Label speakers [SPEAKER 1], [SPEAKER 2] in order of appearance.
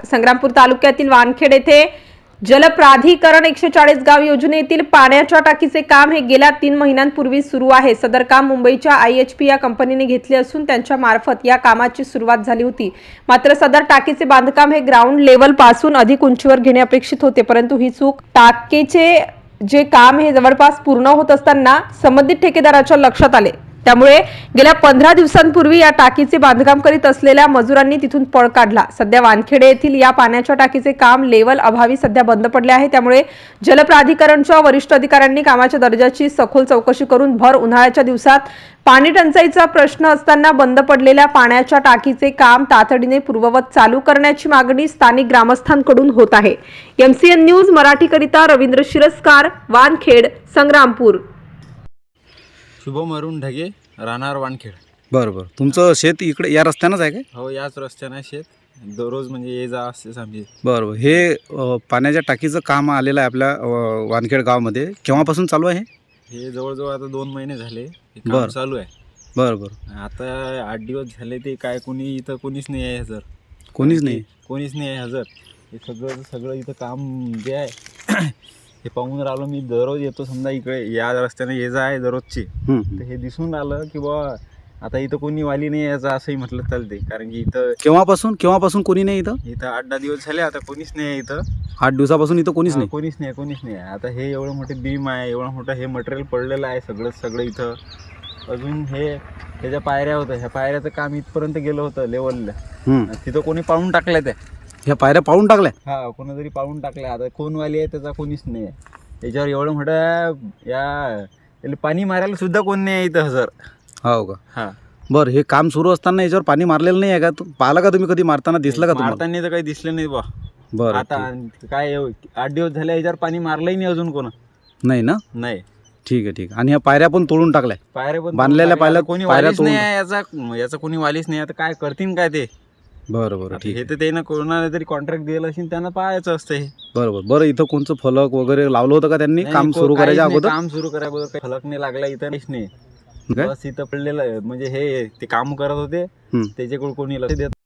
[SPEAKER 1] संग्रामपूर तालुक्यातील वानखेड येथे जलप्राधिकरण 140 गाव योजनेतील पाण्याच्या टाकीचे काम हे गेल्या 3 महिन्यांपूर्वी सुरू आहे। सदर काम मुंबईच्या IHP या कंपनीने घेतले असून त्यांच्या मार्फत या कामाची सुरुवात झाली होती। मात्र सदर टाकीचे बांधकाम हे ग्राउंड लेवल पासून अधिक उंचीवर घेणे अपेक्षित होते, परंतु ही चूक टाकीचे जे काम हे जवळपास पूर्ण होत असताना संबंधित ठेकेदाराच्या लक्षात आले। त्यामुळे गेल्या 15 दिवसांपूर्वी या टाकीचे बांधकाम करीत असलेल्या मजुरांनी तिथून पळ काढला। सध्या वानखेडे येथील या पाण्याच्या टाकीचे काम लेवल अभावी सध्या बंद पडले आहे। त्यामुळे जलप्राधिकरणच्या वरिष्ठ अधिकाऱ्यांनी कामाच्या दर्जाची सखोल चौकशी करून भर उन्हाळ्याच्या दिवसात पाणी टंचाईचा प्रश्न असताना बंद पडलेल्या पाण्याच्या टाकीचे काम तातडीने पूर्ववत चालू करण्याची मागणी स्थानिक ग्रामस्थांकडून होत आहे। MCN न्यूज मराठीकरिता रवींद्र शिरस्कार, वानखेड, संग्रामपूर।
[SPEAKER 2] शुभम अरुण ढगे, राहणार वानखेड।
[SPEAKER 3] बरोबर, तुमचं शेत इकडे या रस्त्यानंच आहे काय?
[SPEAKER 2] हो, याच रस्त्याने शेत दररोज म्हणजे ये जा असतेच आमची।
[SPEAKER 3] बरोबर, हे पाण्याच्या टाकीचं काम आलेलं आहे आपल्या वानखेड गावामध्ये। केव्हापासून चालू आहे?
[SPEAKER 2] हे जवळजवळ आता 2 महिने झाले हे काम
[SPEAKER 3] बरं.
[SPEAKER 2] चालू आहे।
[SPEAKER 3] बरोबर,
[SPEAKER 2] आता 8 दिवस झाले ते काय कोणी इथं कोणीच नाही आहे हजर।
[SPEAKER 3] कोणीच नाही?
[SPEAKER 2] कोणीच नाही आहे हजर। हे सगळं इथं काम जे आहे हे पाहून राहिलो मी। दररोज येतो समजा इकडे या रस्त्याने ये जा आहे दररोजची, तर हे दिसून आलं की बा आता इथं कोणी वाली नाही यायचं असंही म्हटलं चालते। कारण की इथं
[SPEAKER 3] केव्हापासून कोणी नाही इथं?
[SPEAKER 2] 8-10 दिवस झाले आता कोणीच नाही आहे इथं।
[SPEAKER 3] 8 दिवसापासून इथं कोणीच नाही?
[SPEAKER 2] कोणीच नाही आहे। आता हे एवढं मोठे बीम आहे, एवढं मोठं हे मटेरियल पडलेलं आहे सगळं इथं। अजून ह्याच्या पायऱ्या होत्या, ह्या पायऱ्याचं काम इथपर्यंत गेलं होतं लेवलला, तिथं कोणी पाळून टाकल्या त्या।
[SPEAKER 3] ह्या पायऱ्या पाळून टाकल्या?
[SPEAKER 2] हा, कोणीतरी पाळून टाकल्या। आता कोण वाली आहे त्याचा कोणीच नाही आहे। त्याच्यावर एवढं मोठं याला पाणी मारायला सुद्धा कोण नाही आहे इथं हजर।
[SPEAKER 3] हो का?
[SPEAKER 2] हा,
[SPEAKER 3] बरं, हे काम सुरू असताना याच्यावर पाणी मारलेलं नाही आहे का? पाहिलं का तुम्ही कधी मारताना? दिसलं का तुम्हाला?
[SPEAKER 2] मारताना तर काही दिसलं नाही बा।
[SPEAKER 3] बरं,
[SPEAKER 2] आता काय 8 दिवस झाले याच्यावर पाणी मारलंही नाही अजून कोण
[SPEAKER 3] नाही ना?
[SPEAKER 2] नाही।
[SPEAKER 3] ठीक आहे, ठीक आहे। आणि ह्या पायऱ्या पण तोडून टाकल्या?
[SPEAKER 2] पायऱ्या पण
[SPEAKER 3] बांधलेल्या पायऱ्या
[SPEAKER 2] कोणी वालीच नाही आहे याचा कोणी वालीच नाही। आता काय करतील काय ते?
[SPEAKER 3] बरं, ठीक
[SPEAKER 2] हे तर त्यानं कोणाला तरी कॉन्ट्रॅक्ट दिलं असेल, त्यांना पाहायचं असतं हे।
[SPEAKER 3] बरं, इथं कोणचं फलक वगैरे लावलं होतं का त्यांनी काम सुरू करायच्या अगोदर?
[SPEAKER 2] काम सुरू करायच्या अगोदर फलक नाही लागला इथं, नाही। बस इथं पडलेलं म्हणजे हे ते काम करत होते त्याच्याकडे कोणी लक्ष देत